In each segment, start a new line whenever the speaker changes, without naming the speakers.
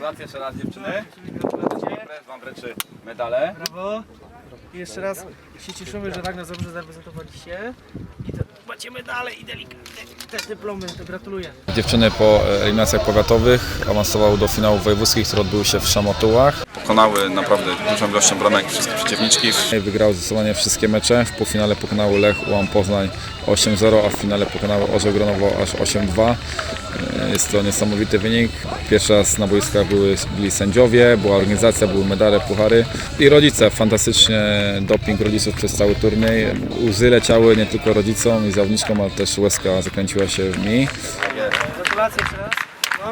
Gratulacje jeszcze raz dziewczyny. Prezes wam wręczy medale.
Brawo. I jeszcze raz się cieszymy, że tak nas dobrze zaprezentowaliście. I to macie medale i też dyplomy, to gratuluję.
Dziewczyny po eliminacjach powiatowych awansowały do finałów wojewódzkich, które odbyły się w Szamotułach.
Pokonały naprawdę dużą ilością bramek wszystkie przeciwniczki.
Wygrały zdecydowanie wszystkie mecze. W półfinale pokonały Lech UAM Poznań 8-0, a w finale pokonały Orzeł Gronowo aż 8-2. Jest to niesamowity wynik. Pierwszy raz na boiskach byli sędziowie, była organizacja, były medale, puchary i rodzice. Fantastycznie doping rodziców przez cały turniej. Łzy leciały nie tylko rodzicom i zawodniczkom, ale też łezka zakręciła się w mi.
Gratulacje jeszcze raz. No.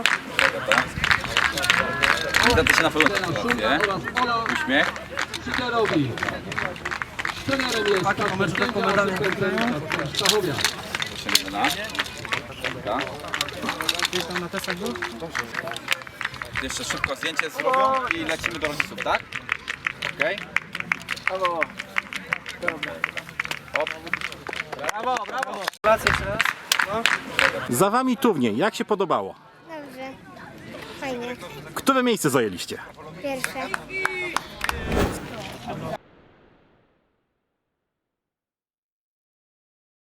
Zgadza się na pewno gratulacje. Uśmiech.
Paki po meczu taką medalę
Proszę Milena.
Gdzieś tam na testach był?
Jeszcze szybko zdjęcie zrobią i lecimy do rodziców, tak? Okej?
Brawo. Brawo, brawo. Gratulacje jeszcze raz. No.
Za wami turniej, jak się podobało?
Dobrze. Fajnie.
Które miejsce zajęliście?
Pierwsze.